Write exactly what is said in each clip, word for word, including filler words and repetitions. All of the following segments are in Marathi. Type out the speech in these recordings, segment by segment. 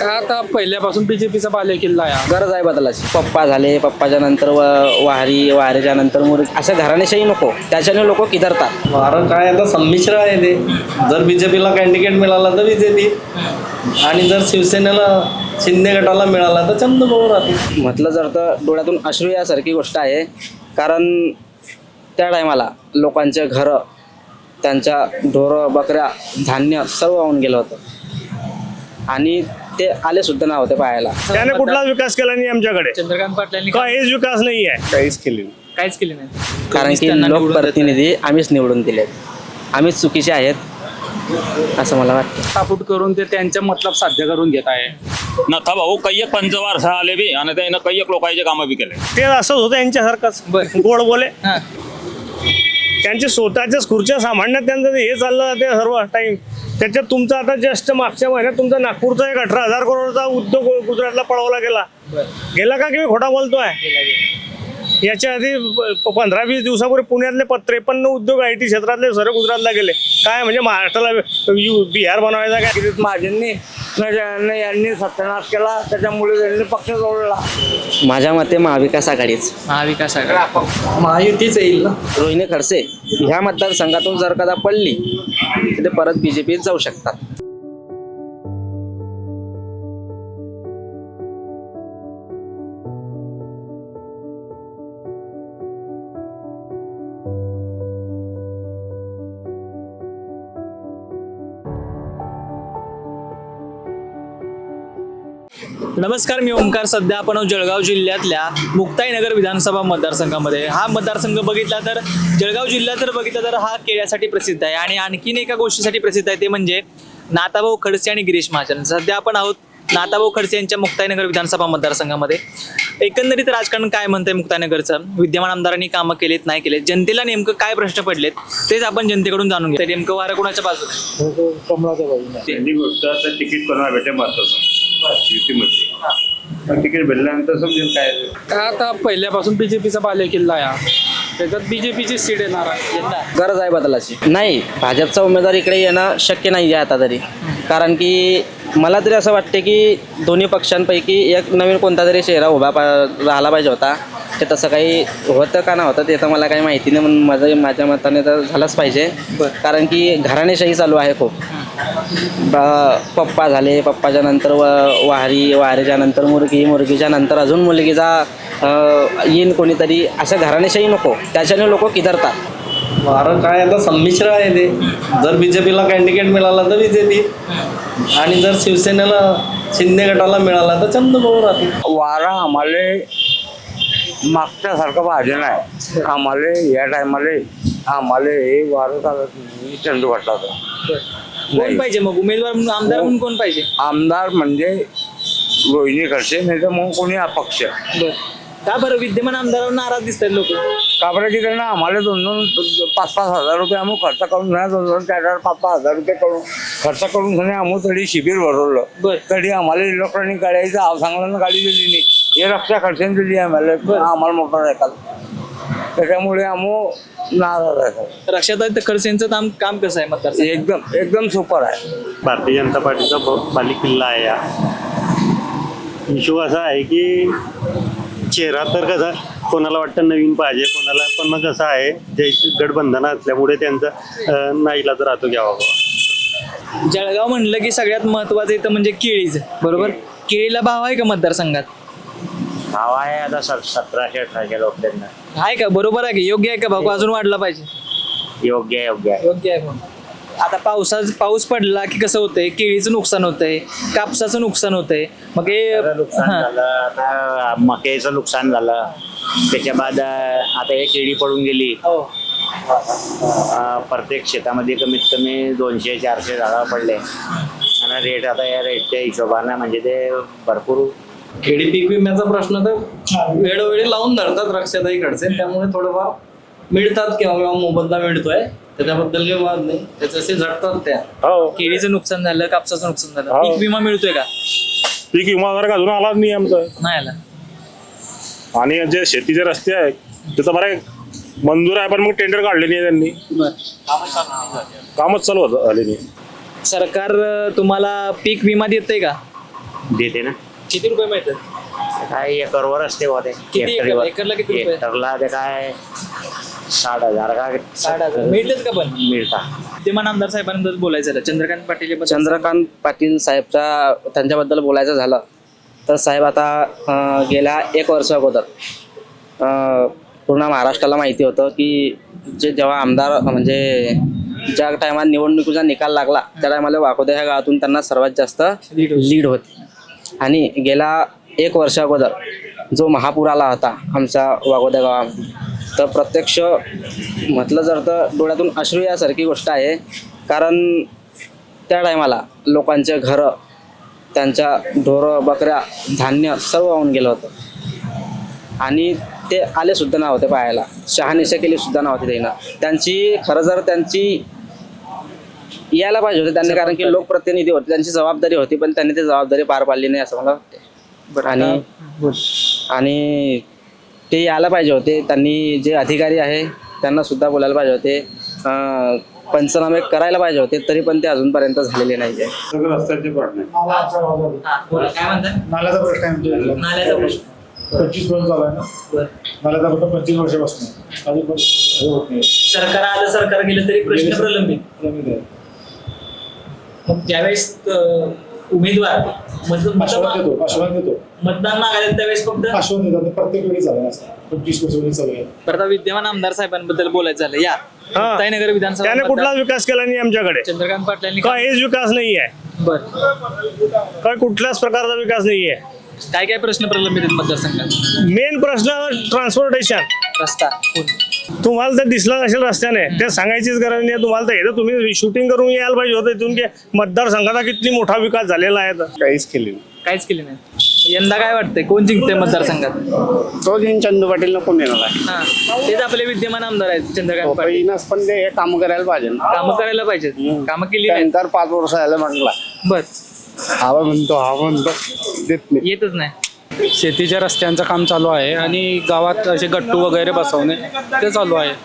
काय आता पहिल्यापासून बीजेपीचा बालेकिल्ला आहे. गरज आहे बदलाची. पप्पा झाले, पप्पाच्या नंतर वारी, वारीच्या नंतर मुर असं घराणेशाही नको, त्याच्याने लोक किधरतात. वारं काय आता संमिश्र आहे ते. जर बीजेपीला कॅन्डिडेट मिळाला तर बीजेपी, आणि जर शिवसेनेला शिंदे गटाला मिळाला तर चंद्रभाऊ राहतील. म्हटलं जर तर डोळ्यातून अश्रू यासारखी गोष्ट आहे. कारण त्या टायमाला लोकांचे घरं, त्यांच्या ढोरं बकऱ्या धान्य सर्व वाहून गेलं होतं आणि ते आले सुद्धा नव्हते पाहायला. त्याने कुठलाच विकास केला नाही आमच्याकडे. चंद्रकांत पाटलांनी काहीच विकास नाही आहे. काहीच केली काहीच केले नाही. कारण की लोकप्रतिनिधी आम्हीच निवडून दिलेत, आम्हीच चुकीचे आहेत असं मला वाटतं. तापूट करून ते त्यांच्या मतलब साध्य करून घेत आहे. नथा भाऊ कैयक पंचवार आले बी आणि त्यानं कैयक लोकांचे कामं बी केले. ते असंच होतं यांच्यासारखंच गोड बोले. त्यांचे स्वतःच्याच खुर्च्या सांभाळण्यात त्यांचं हे चाललं ते सर्व टाइम. त्याच्यात तुमचा आता जस्ट मागच्या महिन्यात तुमचा नागपूरचा एक अठरा हजार करोडचा उद्योग गुजरातला पळवला गेला. गेला का की खोटा बोलतोय? याच्या आधी पंधरा वीस दिवसापूर्वी पुण्यातले प त्रेपन्न उद्योग आय टी क्षेत्रातले सर्व गुजरातला गेले. काय म्हणजे महाराष्ट्राला बिहार बनवायचा काय? महाजननी यांनी सत्यानाश केला, त्याच्यामुळे त्यांनी पक्ष जोडला. माझ्या मते महाविकास आघाडीच, महाविकास आघाडी, महायुतीच येईल ना. रोहिणी खडसे ह्या मतदारसंघातून जर कदा पडली तर ते परत बीजेपीत जाऊ शकतात. नमस्कार, मी ओमकार. सध्या आपण जळगाव जिल्ह्यातल्या मुक्ताईनगर विधानसभा मतदारसंघामध्ये. हा मतदारसंघ बघितला तर जळगाव जिल्ह्यात जर बघितला तर हा केळ्यासाठी प्रसिद्ध आहे आणि आणखीन एका गोष्टीसाठी प्रसिद्ध आहे, ते म्हणजे नाथाभाऊ खडसे आणि गिरीश महाजन. सध्या आपण आहोत नाथाभाऊ खडसे यांच्या मुक्ताईनगर विधानसभा मतदारसंघामध्ये. एकंदरीत राजकारण काय म्हणतंय मुक्ताईनगरचं, विद्यमान आमदारांनी कामं केलेत नाही केलेत, जनतेला नेमकं काय प्रश्न पडलेत तेच आपण जनतेकडून जाणून घेतो. नेमकं वारं कोणाच्या बाजूने? कमळाच्या बाजूने. त्यांनी गोष्ट आता तिकीट कोणाला भेटे महत्वाचं युतीमध्ये. तिकीट भेटल्यानंतर समजेल काय. काय आता पहिल्यापासून बीजेपीचा बालेकिल्ला आहे. त्याच्यात बीजेपीची सीट येणार आहे. गरज आहे बदलाची. नाही, भाजपचा उमेदवार इकडे येणं शक्य नाही आहे आता तरी. कारण की मला तरी असं वाटते की दोन्ही पक्षांपैकी एक नवीन कोणता तरी चेहरा उभा पा राहिला पाहिजे होता. ते तसं काही होतं का ना होतं ते तर मला काही माहिती नाही, म्हणून माझं माझ्या मताने तर झालंच पाहिजे. कारण की घराणेशाही चालू आहे खूप. पप्पा झाले, पप्पाच्या नंतर व वारी, वारीच्या नंतर मुलगी, मुलगीच्या नंतर अजून मुलगीचा येईन कोणीतरी, असं घराणेशाही नको, त्याच्याने लोक किधरतात. वारं काय आता संमिश्र आहे ते. जर बीजेपीला कॅन्डिडेट मिळाला तर बीजेपी, आणि जर शिवसेनेला शिंदे गटाला मिळाला तर चंद्रभाऊ राहतील. वारा आम्हाला मागच्यासारखं पाहिजे नाही. आम्हाला या टायमाला आम्हाला हे वारं चालत नाही. चंदू गटाचा कोण पाहिजे मग उमेदवार म्हणून, आमदार म्हणून कोण पाहिजे? आमदार म्हणजे रोहिणी खडसे, नाही तर मग कोणी अपक्ष. का बरं विद्यमान आमदारांवर नाराज दिसतात लोक? काबराची त्यांना आम्हाला दोन दोन पाच पाच हजार रुपये आम्ही खर्च करून नाही, दोन दोन चार चार पाच पाच हजार रुपये करून खर्च करून नाही आम्ही तरी शिबिर भरवलं. तरी आम्हाला इलेक्ट्रॉनिक गाड्याचं आव सांगलं गाडी दिली नाही. हे रक्षा खर्चाने दिली आम्हाला, आम्हाला मोटर ऐकायला. त्याच्यामुळे आम्ही नाराज आहे. रक्षाताई खडसेंचं काम काम कसं आहे मतदार? एकदम एकदम सुपर आहे. भारतीय जनता पार्टीचा बालेकिल्ला आहे. या इशू असा आहे की चेहरा तर कसा कोणाला वाटतं नवीन पाहिजे, कोणाला पण मग कसं आहे जे गठबंधन असल्यामुळे त्यांचं नाईलाज राहतो घ्यावा. जळगाव म्हणलं की सगळ्यात महत्वाचं इथं म्हणजे केळीच, बरोबर? केळीला भाव आहे का मतदारसंघात? भाव आहे आता सतराशे अठराशे लोकांना. आहे का? बरोबर आहे की योग्य आहे का भाव? अजून वाढला पाहिजे? योग्य आहे योग्य आहे योग्य आहे. आता पावसाच पाऊस पडला की कसं होतंय, केळीचं नुकसान होतंय, कापसाचं नुकसान होतंय, मग हे नुकसान झालं. आता मक्याचं नुकसान झालं. त्याच्या बाद आता हे केळी पडून गेली. प्रत्येक शेतामध्ये कमीत कमी दोनशे चारशे झाडं पडले आणि रेट आता या रेटच्या हिशोबानं म्हणजे ते भरपूर. खेडी पीक विम्याचा प्रश्न तर वेळोवेळी लावून धरतात रक्षाताई खडसे, त्यामुळे थोडंफार मिळतात किंवा किंवा मोबदला मिळतोय, त्याच्याबद्दल काही वाद नाही. त्याच्याशी झटतात त्या. केळीचं नुकसान झालं, कापसाचं नुकसान झालं, पीक विमा मिळतोय का? पीक विमा वगैरे अजून आला नाही आमचं, नाही आला. आणि जे शेतीचे रस्ते आहेत त्याचं बरं मंजूर आहे, पण मग टेंडर काढले नाही त्यांनी. कामच चालू होतं झाले नाही. सरकार तुम्हाला पीक विमा देतंय का? देते ना किती रुपये मिळतात? काय एकरवर असते बघा ते किती एकर? एकरला किती रुपये? एकरला ते काय साठ हजार का साठ हजार मिळतात का पण? मिळतात. विद्यमान आमदार साहेबांबद्दल बोलायचं झालं, चंद्रकांत पाटील हे बद्दल- चंद्रकांत पाटील साहेबच्या त्यांच्याबद्दल बोलायचं झालं तर साहेब आता अं, गेल्या एक वर्ष अगोदर अं, पूर्ण महाराष्ट्राला माहिती होतं की जे जेव्हा आमदार म्हणजे ज्या टायमात निवडणुकीचा निकाल लागला त्या टायमाला वाकोदे ह्या गावातून त्यांना सर्वात जास्त लीड होती. आणि गेल्या एक वर्ष अगोदर जो महापूर आला होता आमच्या वाकोदे गावामध्ये, तर प्रत्यक्ष म्हटलं जर तर डोळ्यातून अश्रू यासारखी गोष्ट आहे. कारण त्या टायमाला लोकांचे घरं, त्यांच्या ढोरं बकऱ्या धान्य सर्व वाहून गेलं होतं आणि ते आले सुद्धा नव्हते पाहायला, शहानिशा केली सुद्धा नव्हती त्यांना. त्यांची खरं जर त्यांची यायला पाहिजे होते त्यांनी, कारण की लोकप्रतिनिधी होते, त्यांची जबाबदारी होती, पण त्यांनी ती जबाबदारी पार पाडली नाही असं मला वाटते. आणि आणि ते यायला पाहिजे होते, त्यांनी जे अधिकारी आहे त्यांना सुद्धा बोलायला पाहिजे होते, अं, पंचनामे करायला पाहिजे होते, तरी पण ते अजूनपर्यंत झालेले नाही आहे. हा, बोला, काय म्हणताय? नाल्याचा प्रश्न आहे आमच्या इथला. नाल्याचा प्रश्न. पंचवीस वर्ष झाला आहे ना. बरं. नाल्याचा फक्त पंचवीस वर्षापासून आहे. अजून पण हे होत नाही. सरकार आलं सरकार गेलं तरी प्रश्न प्रलंबित. प्रलंबित आहे. मग ज्यावेळेस अं, उमेदवार मत- आश्वासन मत- देतो आश्वासन देतो मतदान मागायला त्यावेळेस फक्त आश्वासन देतात. प्रत्येक वेळी झालं असं पंचवीस वर्ष वेळी चालू आहे. परत आता विद्यमान आमदार साहेबांबद्दल बोलायचं झालं, या हा. मुक्ताईनगर विधानसभा त्याने मतदार- कुठलाच विकास केला नाही आमच्याकडे. चंद्रकांत पाटलांनी काहीच विकास नाही आहे, बर काय कुठल्याच प्रकारचा विकास नाही आहे. काय काय प्रश्न प्रलंबित आहेत मतदारसंघात? मेन प्रश्न ट्रान्सपोर्टेशन. रस्ता तुम्हाला तर दिसला नसेल रस्त्याने, ते सांगायचीच गरज नाही. तुम्हाला तर येतं, तुम्ही शूटिंग करून यायला पाहिजे होतं इथून की मतदारसंघाचा किती मोठा विकास झालेला आहे. तर काहीच केले काहीच केले नाही. यंदा काय वाटतंय, कोण जिंकते मतदारसंघात? तो दिन चंदू पाटील कोण येणार आहे. हा, तेच आपले विद्यमान आमदार आहेत चंद्रकांत पाटील. पण ते काम करायला पाहिजे ना. कामं करायला पाहिजेत, कामं केली नाही. त्यानंतर पाच वर्ष झालं म्हटलं बर हवा म्हणतो हा म्हणतो देत नाही. येतच नाही. शेतीच्या रस्त्यांचं काम चालू आहे आणि गावात असे गट्टू वगैरे बसवणे ते चालू आहे.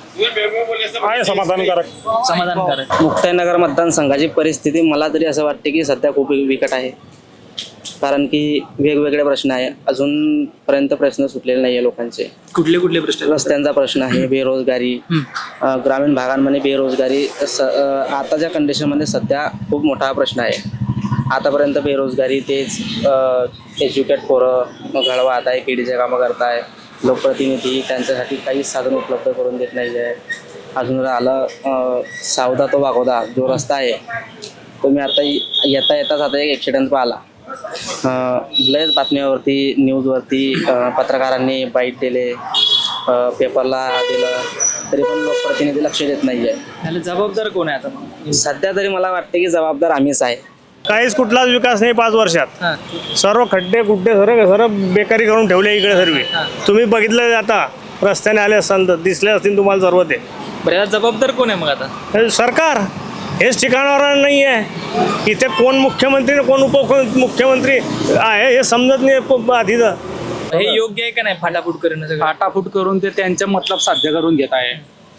आहे समाधानकारक. समाधानकारक. मुक्ताईनगर मतदारसंघाची परिस्थिती मला तरी असं वाटते की सध्या खूप बिकट आहे. कारण की वेगवेगळे प्रश्न आहे, अजूनपर्यंत प्रश्न सुटलेले नाही आहे लोकांचे. कुठले कुठले प्रश्न आहेत? रस्त्यांचा प्रश्न आहे, बेरोजगारी, अं, ग्रामीण भागांमध्ये बेरोजगारी स अं, आताच्या कंडिशनमध्ये सध्या खूप मोठा प्रश्न आहे. आतापर्यंत बेरोजगारी तेच एज्युकेट पोरं मग घडवात आहे, केडीचे कामं करताय, लोकप्रतिनिधी त्यांच्यासाठी काहीच साधन उपलब्ध करून देत नाही आहे. अजून राहिलं अं, सावदा तो वागोदा जो रस्ता आहे, तो मी आता येता येताच आता एक ॲक्सिडेंट पाहिला. अं, लयच बातम्यावरती न्यूजवरती अं, पत्रकारांनी बाईट दिले, अं, पेपरला दिलं, तरी पण लोकप्रतिनिधी लक्ष देत नाही आहे. त्याला जबाबदार कोण आहे आता मग? सध्या तरी मला वाटते की जबाबदार आम्हीच आहे. काहीच कुठलाच विकास नाही पाच वर्षात. हा. सर्व खड्डे गुड्डे सर्व सर्व बेकारी करून ठेवले इकडे सर्व. तुम्ही बघितलं आता रस्त्याने आले असाल तर दिसले असतील तुम्हाला सर्व ते. बरं, याला जबाबदार कोण आहे मग आता? हे सरकार हेच ठिकाणावर नाही आहे. इथे कोण मुख्यमंत्री आणि कोण उपमुख्यमंत्री आहे हे समजत नाही प- आधीचं. हे योग्य आहे का नाही फाटाफूट करणं सगळं? फाटाफूट करून ते त्यांचे मतलब साध्य करून घेत आहे.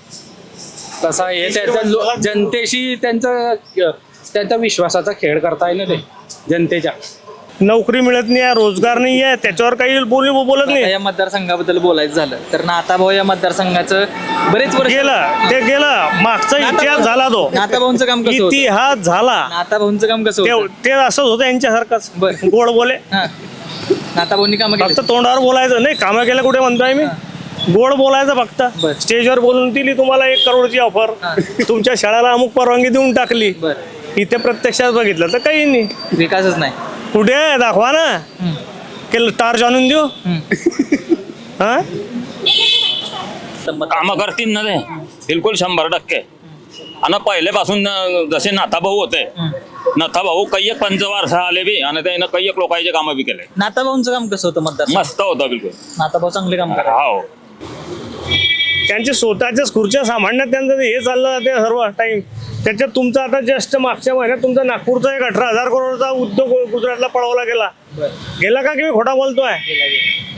कसं आहे, त्याच्या लो- जनतेशी त्यांचा त्यांचा विश्वासाचा खेळ करताय ना ते जनतेच्या. नोकरी मिळत नाही आहे, रोजगार नाही आहे, त्याच्यावर काही बोली बोलत आता नाही. या मतदारसंघाबद्दल बोलायचं झालं तर नाताभाऊ या मतदारसंघाचं बरेच वर्ष गेलं ते गेलं, मागचा इतिहास झाला तो. नाताभाऊंचं काम कसं होतं? इतिहास झाला. नाताभाऊंचं काम कसं ते होतं? ते असंच होतं यांच्यासारखंच, बरं. गोड बोले. हा. नाताभाऊंनी कामं केली. फक्त तोंडावर बोलायचं नाही, कामं केलं कुठे म्हणतोय मी. गोड बोलायचं फक्त. बरं. स्टेजवर बोलून दिली तुम्हाला एक करोडची ऑफर, हा. तुमच्या शाळेला अमुक परवानगी देऊन टाकली. बरं, इथे प्रत्यक्षात बघितलं तर काही नाही. विकासच नाही. कुठे आहे? दाखवा ना. हम्म. केलं तार जाणून देऊ. हम्म. हा तर मत- कामं करतील ना ते बिलकुल शंभर टक्के. आणि पहिल्यापासून अं, जसे नाथाभाऊ होते, नाथाभाऊ काही एक पंचवार्ष आले बी आणि त्यानं काही एक लोकांचे कामं बी केले. नाताभाऊंचं काम कसं होतं मतदार? मस्त होतं बिलकुल. नाताभाऊ चांगले काम करा. हो. त्यांचे स्वतःच्याच खुर्च्या सांभाळण्यात त्यांचं हे चाललं जाते सर्व टाइम. त्याच्यात तुमचा आता जस्ट मागच्या महिन्यात तुमचा नागपूरचा एक अठरा हजार करोडचा उद्योग गुजरातला पळवला गेला. गेला का की मी खोटा बोलतोय?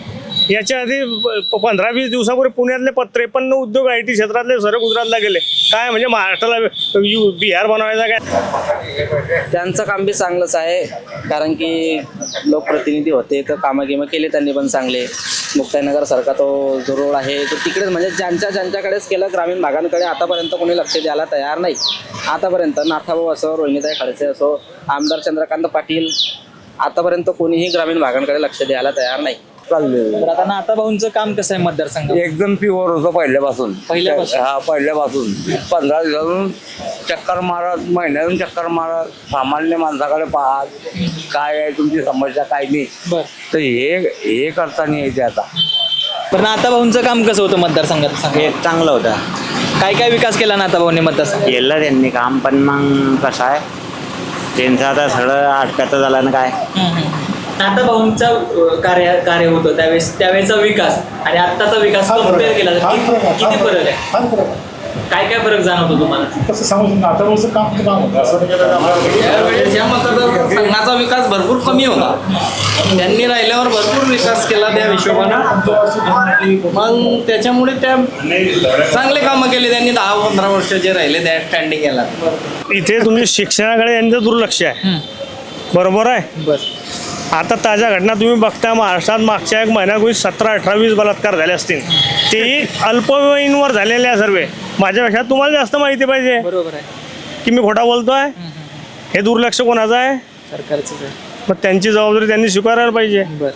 याच्या आधी प- पंधरा वीस दिवसापूर्वी पुण्यातले प- त्रेपन्न उद्योग आय टी क्षेत्रातले सर्व गुजरातला गेले. काय म्हणजे महाराष्ट्राला यु- बिहार बनवायचा काय? त्यांचं काम बी चांगलंच आहे, कारण की लोकप्रतिनिधी होते तर कामं गिमं केले त्यांनी पण चांगले. मुक्ताईनगरसारखा तो जो रोड आहे तो तिकडेच म्हणजे ज्यांच्या ज्यांच्याकडेच केलं, ग्रामीण भागांकडे आतापर्यंत कोणी लक्ष द्यायला तयार नाही. आतापर्यंत नाथाभाऊ असो, रोहिणीताई खडसे असो, आमदार चंद्रकांत पाटील, आतापर्यंत कोणीही ग्रामीण भागांकडे लक्ष द्यायला तयार नाही. तर आता नाता भाऊंचं काम कसं आहे मतदारसंघात? एकदम प्युअर होतं पहिल्यापासून. पहिल्यापासून? हा, पहिल्यापासून पंधरा दिवसातून चक्कर मारत, महिन्यातून चक्कर मारत, सामान्य माणसाकडे पाहत काय आहे तुमची समस्या काय नाही. बर तर हे हे करताना यायचे आता. पण नाता भाऊंचं काम कसं होतं मतदारसंघात सांगा. हे चांगलं होतं. काय काय विकास केला नाता भाऊंनी मतदारसंघात? केलं त्यांनी काम, पण मग कसं आहे त्यांचं आता सगळं अटकाचं झालं ना काय. नाता भाऊंचं कार्य कार्य होतं त्यावेळेस, त्यावेळेचा विकास आणि आत्ताचा विकास कम्पेअर केला तर किती किती फरक आहे? फार फरक आहे. काय काय फरक जाणवतो तुम्हाला? कसं सांगू शकतो आता वर्ष काम तर काम होतं असं नाही केलं तर आम्हाला- त्यावेळेस या मतदारसंघाचा विकास भरपूर कमी होता. त्यांनी राहिल्यावर भरपूर विकास केला त्या हिशोबानं. मग त्याच्यामुळे त्या चांगले कामं केले त्यांनी. दहा पंधरा वर्ष जे राहिले त्या स्टँडिंग याला. इथे तुम्ही शिक्षणाकडे यांचं दुर्लक्ष आहे. बरोबर आहे. बस आता ताज्या घटना तुम्ही बघता, महाराष्ट्रात मागच्या एक महिन्यापूर्वी सतरा अठरा वीस बलात्कार झाले असतील, तेही अल्पवयीनवर झालेले आहे सर्व. माझ्यापेक्षा तुम्हाला जास्त माहिती पाहिजे बरोबर आहे, की मी खोटा बोलतोय. हे दुर्लक्ष कोणाचं आहे? सरकारचं आहे. मग त्यांची जबाबदारी त्यांनी स्वीकारायला पाहिजे. बर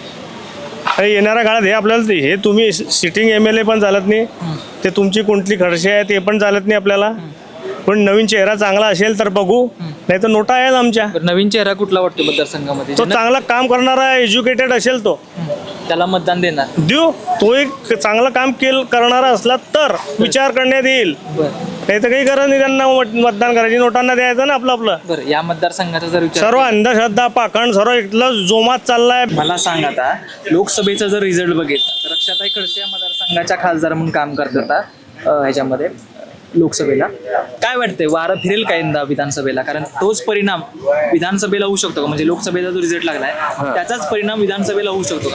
आणि येणाऱ्या काळात हे आपल्याला ते- हे तुम्ही सिटिंग एम एल ए पण चालत नाही, ते तुमची कोणती खडसे आहे ते पण चालत नाही आपल्याला. पण नवीन चेहरा चांगला असेल तर बघू, नाही तर नोटा आहेत आमच्या. बरं, नवीन चेहरा कुठला वाटतो मतदारसंघामध्ये? तो ज्यांना- चांगला काम करणारा एज्युकेटेड असेल तो त्याला मतदान देणार. देऊ. तो एक चांगलं काम केल करणारा असला तर विचार करण्यात येईल. बरं नाही तर काही गरज नाही त्यांना मत- मतदान करायची. नोटांना द्यायचं ना आपलं आपलं. बरं या मतदारसंघाचा जर विचार सर्व अंधश्रद्धा पाखंड सर्व इथलं जोमात चाललाय. मला सांग, आता लोकसभेचा जर रिझल्ट बघितला तर रक्षाताई खडसे या मतदारसंघाच्या खासदार म्हणून काम करतात अं, ह्याच्यामध्ये लोकसभेला. काय वाटतंय, वारं फिरेल का यंदा विधानसभेला? कारण तोच परिणाम विधानसभेला होऊ शकतो का? म्हणजे लोकसभेचा जो रिझल्ट लागलाय त्याचाच परिणाम विधानसभेला होऊ शकतो का?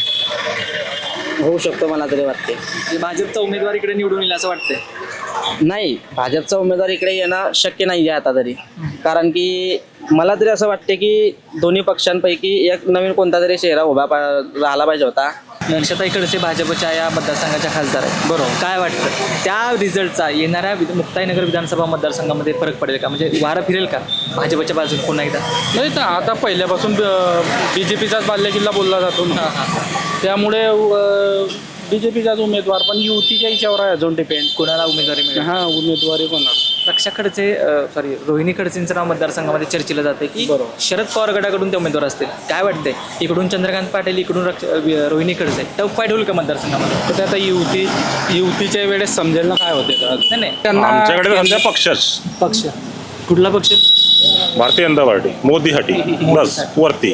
होऊ शकतो मला तरी वाटते. म्हणजे भाजपचा उमेदवार इकडे निवडून येईल असं वाटतंय? नाही, भाजपचा उमेदवार इकडे येणं शक्य नाही आहे आता तरी. कारण की मला तरी असं वाटते की दोन्ही पक्षांपैकी एक नवीन कोणता तरी चेहरा उभा पा राहिला पाहिजे होता. रक्षाताई खडसे भाजपच्या या मतदारसंघाच्या खासदार आहेत. बरोबर. काय वाटतं त्या रिझल्टचा येणाऱ्या विध मुक्ताईनगर विधानसभा मतदारसंघामध्ये फरक पडेल का? म्हणजे वारं फिरेल का भाजपच्या बाजूने पुन्हा एकदा? नाही तर आता पहिल्यापासून बी जे पीचाच बाल्यकिल्ला बोलला जातो ना, त्यामुळे बी जे पीचाच उमेदवार, पण युतीच्या हिच्यावर आहे अजून डिपेंड. कोणाला उमेदवारी मिळेल? हा, उमेदवारी कोणाला. रक्षा खडसे सॉरी रोहिणी खडसेंचं नाव मतदारसंघामध्ये चर्चेलं जाते की शरद पवार गटाकडून ते उमेदवार असतील. काय वाटतंय, इकडून चंद्रकांत पाटील, इकडून रक्ष अं, रोहिणी खडसे, टफ फाईट होईल का मतदारसंघामध्ये? तर ते आता युती युतीच्या वेळेस समजेल ना काय होते तर. नाही नाही त्यांना आमच्याकडे समजा पक्षच पक्ष कुठला पक्ष? भारतीय जनता पार्टी मोदीसाठी बस वरती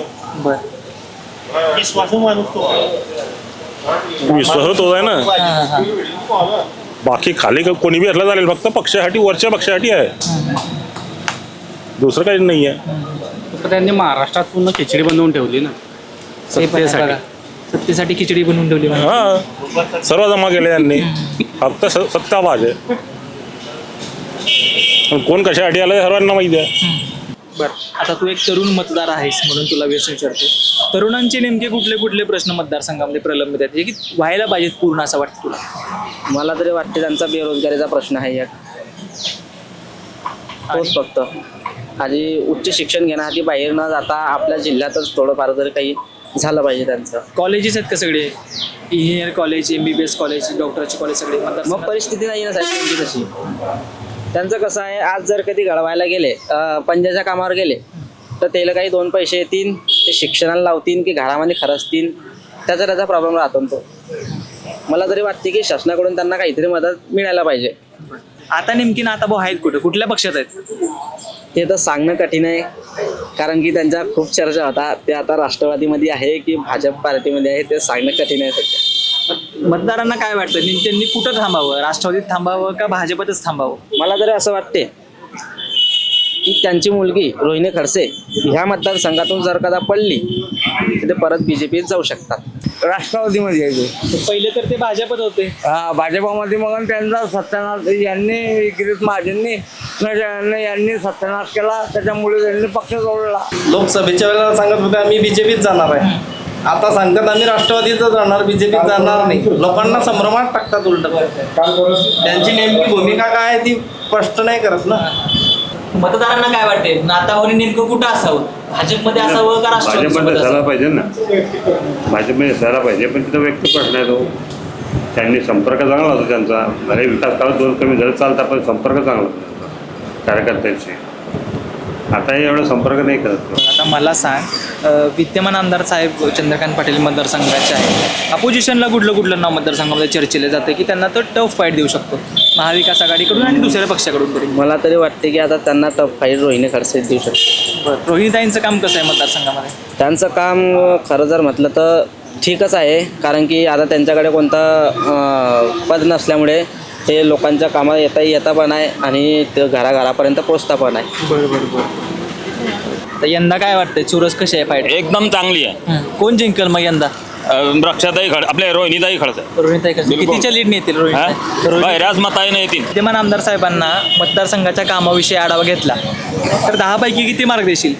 बरं विश्वास तो आहे ना. हां हां बाकी खाली का- कोणी बी असला चालेल, फक्त पक्षासाठी वरच्या पक्षासाठी आहे, दुसरं काही नाही आहे. तर त्यांनी महाराष्ट्रात पूर्ण खिचडी बनवून ठेवली ना ते पण आहे सत्तेसाठी. बघा. सत्तेसाठी खिचडी बनवून ठेवली म्हणजे. हा, सर्व जमा केले त्यांनी, फक्त स- सत्ता पाहिजे. पण कोण कशासाठी आलं हे सर्वांना माहिती आहे. बरं, आता तू एक तरुण मतदार आहेस म्हणून तुला व्यसन विचारतो, तरुणांचे नेमके कुठले कुठले प्रश्न मतदारसंघामध्ये प्रलंबित आहेत जे की व्हायला पाहिजेत पूर्ण असं वाटतं तुला? मला तरी वाटते त्यांचा बेरोजगारीचा प्रश्न आहे एक, तोच फक्त. आधी उच्च शिक्षण घेण्यासाठी बाहेर न जाता आपल्या जिल्ह्यातच थोडंफार तरी काही झालं पाहिजे त्यांचं. कॉलेजेस आहेत का सगळे? Engineer college, M B B S college, डॉक्टरचे कॉलेज सगळे मग मतदारसंघात? परिस्थिती नाही ना साहेब त्यांची तशी. त्यांचं कसं आहे, आज जर कधी घडवायला गेले, अं, पंजाच्या कामावर गेले तर त्याला काही दोन पैसे येतील, ते शिक्षणाला लावतील की घरामध्ये खर्चतील, त्याचा त्याचा प्रॉब्लेम राहतो ना तो. मला तरी वाटते की शासनाकडून त्यांना काहीतरी मदत मिळायला पाहिजे. आता नेमकी नाताभाऊ आहेत कुठे, कुठल्या पक्षात आहेत? ते तर सांगणं कठीण आहे, कारण की त्यांच्या खूप चर्चा होता. ते आता राष्ट्रवादीमध्ये आहे की भाजप पार्टीमध्ये आहे ते सांगणं कठीण आहे सध्या. मतदारांना काय वाटतं, नेम- त्यांनी कुठं थांबावं? राष्ट्रवादीत थांबावं का भाजपतच थांबावं? मला तरी असं वाटते की त्यांची मुलगी रोहिणी खडसे ह्या मतदारसंघातून जर कदा पडली तर ते परत बी जे पीत जाऊ शकतात. राष्ट्रवादीमध्ये यायचे. पहिले तर ते भाजपत होते. हा भाजपामध्ये मग त्यांचा सत्यानाश यांनी गिरीश महाजननी न- यांनी सत्यानाश केला, त्याच्यामुळे त्यांनी पक्ष सोडला. लोकसभेच्या वेळेला सांगत होते आम्ही बीजेपीत जाणार आहे, आता सांगतात आम्ही राष्ट्रवादीच जाणार, बीजेपीत जाणार नाही. लोकांना संभ्रमात टाकतात उलट. त्यांची नेमकी भूमिका काय आहे ती स्पष्ट नाही करत ना. मतदारांना काय वाटते नातावणी नेमकं कुठं असावं, भाजपमध्ये असावं का भाजपमध्ये राष्ट्रवादी असायला पाहिजे ना, भाजपमध्ये असायला पाहिजे. पण तिथं व्यक्त प्रश्न आहे तो, त्यांनी संपर्क चांगला होता त्यांचा. भले विकास काळात दोन कमी झाले चालतात, पण संपर्क चांगला होता त्यांचा कार्यकर्त्यांशी. आता हे एवढा संपर्क नाही करत. आता मला सांग, अ, विद्यमान आमदार साहेब चंद्रकांत पाटील मतदारसंघाचे आहे, अपोजिशनला कुठलं कुठलं नाव मतदारसंघामध्ये चर्चेले जाते की त्यांना तो टफ फाईट देऊ शकतो महाविकास आघाडीकडून आणि दुसऱ्या पक्षाकडून तरी? मला तरी वाटते की आता त्यांना टफ फाईट रोहिणी खडसे देऊ शकतो. रोहिणीताईंचं काम कसं आहे मतदारसंघामध्ये? त्यांचं काम खरं जर म्हटलं तर ठीकच आहे, कारण की आता त्यांच्याकडे कोणतं अं, पद नसल्यामुळे ते लोकांच्या कामात येता येता पण आहे आणि ते घराघरापर्यंत पोचता पण आहे. बरोबर बरं. तर यंदा काय वाटतंय, चुरस कशी आहे फाईट? एकदम चांगली आहे. कोण जिंकल मग यंदा? अं, रक्षाताई खड आपल्या रोहिणीताई खडसे रोहिणीताई खडसे कितीच्या लीडने येतील? रोहिणी बहिराज मताईने येतील. विद्यमान आमदार साहेबांना मतदारसंघाच्या कामाविषयी आढावा घेतला तर दहा पैकी किती मार्क देशील?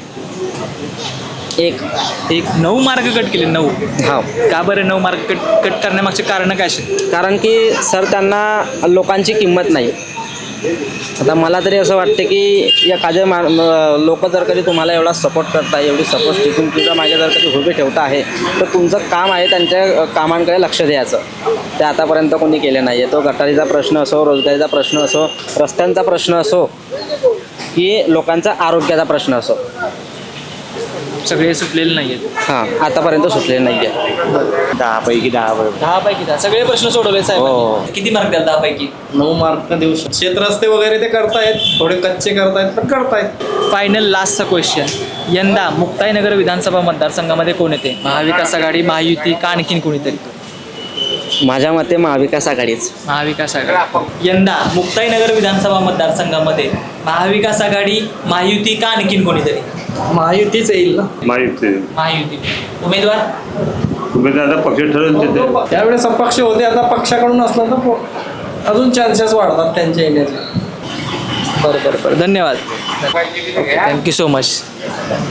एक एक नऊ मार्क कट केले. नऊ? हा. का बरं नऊ मार्क कट कट करण्यामागचे कारण काय असेल? कारण की सर त्यांना लोकांची किंमत नाही. आता मला तरी असं वाटतं की एखाद्या मा लोक जर कधी तुम्हाला एवढा सपोर्ट करताय, एवढी सपोर्ट टिकून तुमच्या मागे जर कधी उभे ठेवता आहे, तर तुमचं काम आहे त्यांच्या कामांकडे लक्ष द्यायचं. ते आतापर्यंत कोणी केले नाही आहे. तो गटारीचा प्रश्न असो, रोजगारीचा प्रश्न असो, रस्त्यांचा प्रश्न असो की लोकांचा आरोग्याचा प्रश्न असो, सगळे सुटलेले नाही आहेत. हां आतापर्यंत सुटलेले नाही आहे. दहा पैकी दहा बरोबर. दहा पैकी दहा सगळे प्रश्न सोडवले साहेब. किती मार्क द्याल दहा पैकी? नऊ मार्क देऊ शकतो. शेतरस्ते वगैरे ते करतायत, थोडे कच्चे करतायत पण करतायत. फायनल लास्टचा क्वेश्चन, यंदा मुक्ताईनगर विधानसभा मतदारसंघामध्ये कोण येते? महाविकास आघाडी, महायुती का आणखीन कोणीतरी? माझ्या मते महाविकास आघाडीच. महाविकास आघाडी. यंदा मुक्ताईनगर विधानसभा मतदारसंघामध्ये महाविकास आघाडी, महायुती का आणखीन कोणीतरी? महायुतीच येईल ना. माहिती महायुती. उमेदवार? तुम्ही आता पक्ष ठरवून देते. त्यावेळेस अपक्ष होते, आता पक्षाकडून असलं तर अजून चान्सेस वाढतात त्यांच्या येण्याचे. बरं बरं बरं. धन्यवाद. Thank you so much.